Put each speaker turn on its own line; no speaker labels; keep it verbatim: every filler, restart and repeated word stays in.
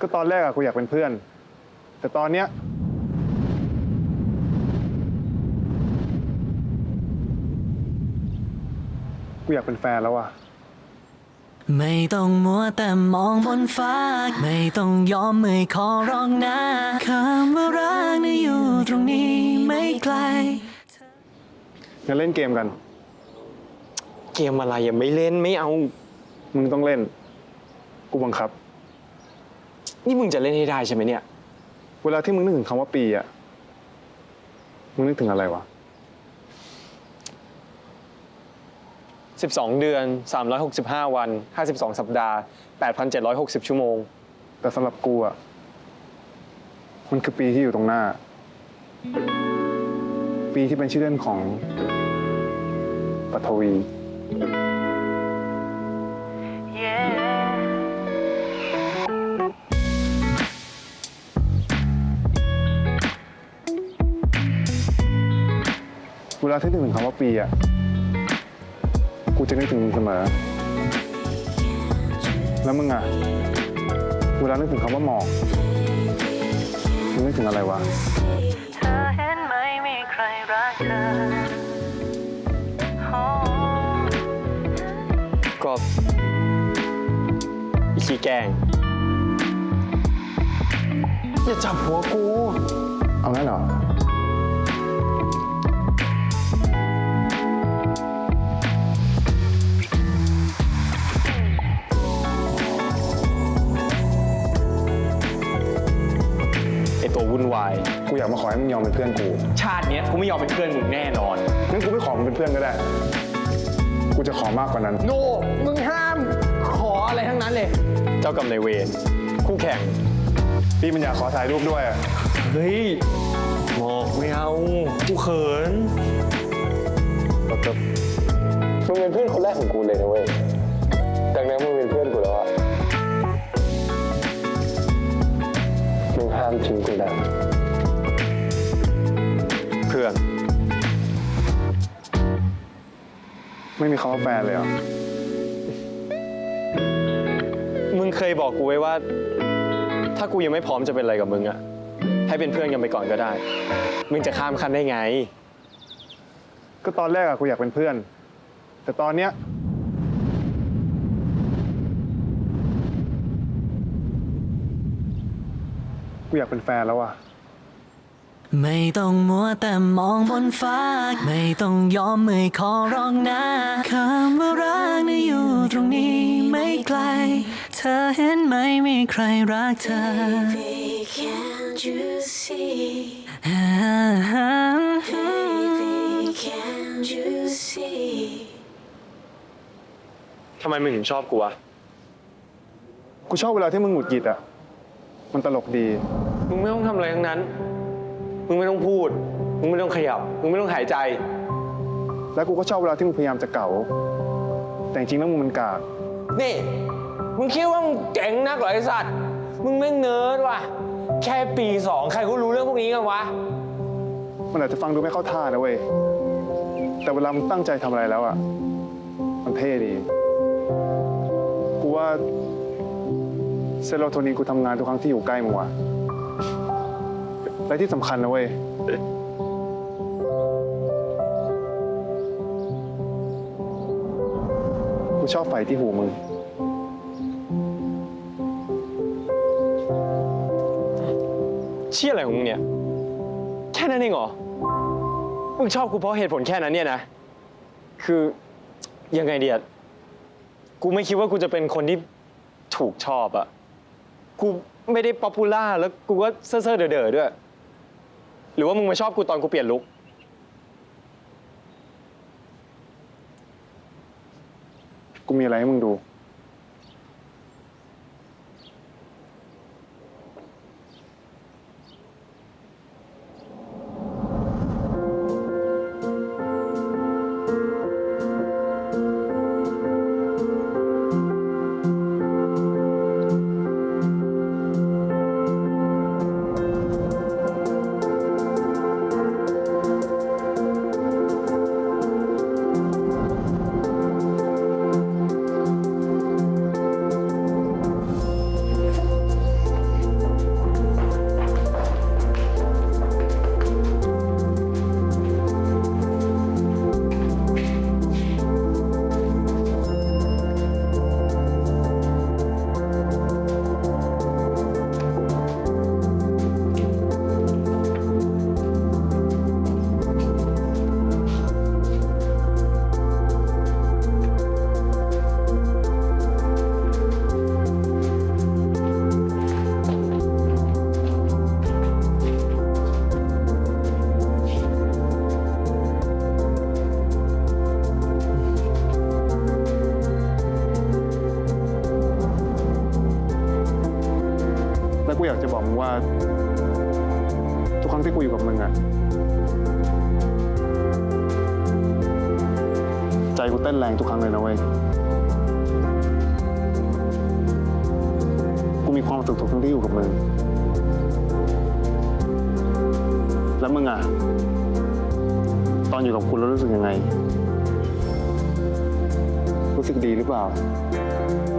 ก็ตอนแรกอะกูอยากเป็นเพื่อนแต่ตอนเนี้ยกูอยากเป็นแฟนแล้วอะ
ไม่ต้องมัวแต่มองบนฟ้าไม่ต้องยอมไม่ขอร้องนะคำว่ารักน่ะอยู่ตรงนี้ไม่ไกล
งั้นเล่นเกมกัน
เกมอะไรยังไม่เล่นไม่เอา
มึงต้องเล่นกูบังคับ
นี่มึงจะเล่นให้ได้ใช่ไหมเนี่ย
เวลาที่มึงนึกถึงคำว่าปีอะมึงนึกถึงอะไรวะ
สิบสองเดือนสามร้อยหกสิบห้าวันห้าสิบสองสัปดาห์แปดพันเจ็ดร้อยหกสิบชั่วโมง
แต่สำหรับกูอะมันคือปีที่อยู่ตรงหน้า ปีที่เป็นชื่อเล่นของปฐวี เวลาที่นึกถึงคำว่าปีอะกูจะนึกถึงมึงเสมอแล้วมึงอะเวลานึกถึงคำว่าหมอกมึงนึกถึงอะไรวะ
เธอเห็นไหมมีใครรักเธอ
ก็อีขี้แกงอย่าจับหัวกู
เอางั้นเหรอ
ไอตัววุ่นวาย
กูอยากมาขอให้มึงยอมเป็นเพื่อนกู
ชาติเนี้ยกูไม่ยอมเป็นเพื่อนมึงแน่นอน
งั้นกูไม่ขอมึงเป็นเพื่อนก็ได้กูจะขอมากกว่านั้น
โนมึงห้ามขออะไรทั้งนั้นเลยเจ้ากรรมนายเวรคู่แข่ง
พี่มันอยากขอถ่ายรูปด้วยอะ
เฮ้ยหมอกไม่เอากูเขินมึงเป็นเพื่อนคนแรกของกูเลยนะเว้ยดังนั้นมึงเป็นเพื่อนกูแล้วอะมึงห้ามทิ้งกูนะเพื่อน
ไม่มีคำว่าแฟนเลยเหรอ
มึงเคยบอกกูไว้ว่าถ้ากูยังไม่พร้อมจะเป็นอะไรกับมึงอะให้เป็นเพื่อนกันไปก่อนก็ได้มึงจะข้ามขั้นได้ไง
ก็ตอนแรกอะกูอยากเป็นเพื่อนแต่ตอนเนี้ยกูอยากเป็นแฟนแล้วอะ
ไม่ต้องมัวแต่มองบนฟ้าไม่ต้องยอมไม่ขอร้องนะคำว่ารักน่ะอยู่ตรงนี้ไม่ไกลเธอเห็นไหมมีใครรักเธอ Baby can't you see Baby can't you see
ทำไมมึงถึงชอบกูวะ
กูชอบเวลาที่มึงหงุดหงิดอะมันตลกดี
มึงไม่ต้องทำอะไรทั้งนั้นมึงไม่ต้องพูดมึงไม่ต้องขยับมึงไม่ต้องหายใจ
แล้วกูก็ชอบเวลาที่มึงพยายามจะเก๋าแต่จริงๆแล้วมึงมันกาก
นี่มึงคิดว่ามึงเจ๋งนักเหรอไอ้สัตว์มึงแม่งเนิร์ดว่ะแค่ปีสองใครก็รู้เรื่องพวกนี้กันวะ
มันอาจจะฟังดูไม่เข้าท่านะเว้ยแต่เวลามึงตั้งใจทำอะไรแล้วอะมันเท่ดีกูว่าเซโรโทนินกูทำงานทุกครั้งที่อยู่ใกล้มึงว่ะและที่สำคัญนะเว้ยกูชอบไฟที่หูมึง
เชี่ยอะไรของมึงเนี่ยแค่นั้นเองเหรอมึงชอบกูเพราะเหตุผลแค่นั้นเนี่ยนะคือยังไงเดียกูไม่คิดว่ากูจะเป็นคนที่ถูกชอบอะกูไม่ได้ป๊อปปูล่าแล้วกูก็เซ่อๆเด๋อๆด้วยหรือว่ามึงมาชอบกูตอนกูเปลี่ยนลุค
กูมีอะไรให้มึงดูแล้วกูอยากจะบอกมึงว่า ทุกครั้งที่กูอยู่กับมึงอะใจกูเต้นแรงทุกครั้งเลยนะเว้ย กูมีความสุขทุกครั้งที่อยู่กับมึง แล้วมึงอะตอนอยู่กับกูแล้วรู้สึกยังไง รู้สึกดีหรือเปล่า